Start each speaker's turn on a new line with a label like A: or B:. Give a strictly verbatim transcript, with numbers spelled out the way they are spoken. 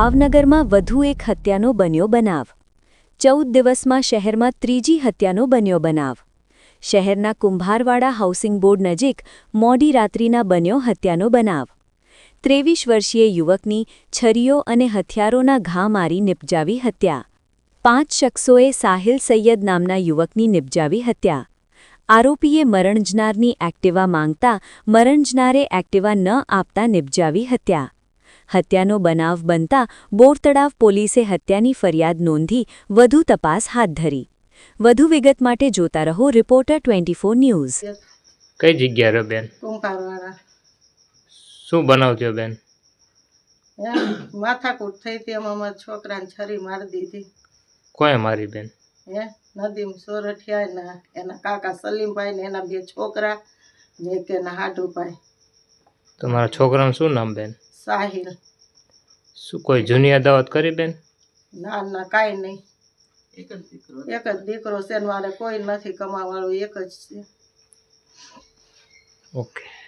A: ભાવનગરમાં વધુ એક હત્યાનો બન્યો બનાવ। ચૌદ દિવસમાં શહેરમાં ત્રીજી હત્યાનો બન્યો બનાવ। શહેરના કુંભારવાડા હાઉસિંગ બોર્ડ નજીક મોડી રાત્રિના બન્યો હત્યાનો બનાવ। ત્રેવીસ વર્ષીય યુવકની છરીઓ અને હથિયારોના ઘા મારી નિપજાવી હત્યા। પાંચ શખ્સોએ સાહિલ સૈયદ નામના યુવકની નિપજાવી હત્યા। આરોપીએ મરણજનારની એક્ટિવા માંગતા મરણજનારે એક્ટિવા ન આપતા નિપજાવી હત્યા। હત્યાનો બનાવ બનતા બોરતળાવ પોલીસે હત્યાની ફરિયાદ નોંધી વધુ તપાસ હાથ ધરી। વધુ વિગત માટે જોતા રહો રિપોર્ટર ટ્વેન્ટી ફોર ન્યૂઝ।
B: કઈ જગ્યા રે બેન?
C: કુંભારવાળા
B: શું બનાવજો બેન?
C: એમ માથાકૂટ થઈ હતી, એમાં મારા છોકરાને છરી મારી દીધી।
B: કોણે મારી બેન?
C: હે નદીમ સોરઠિયા ને એના કાકા સલીમભાઈ ને એના બે છોકરા ને એક એના હાડુભાઈ।
B: તમારા છોકરાનું શું નામ બેન?
C: સાહિલ।
B: શું કોઈ જૂની અદાવત કરી બેન?
C: ના ના કાંઈ નહીં, એક જ દીકરો એક જ દીકરો છે ને મારે કોઈ નથી, કમાવાળું એક જ છે।
B: ઓકે।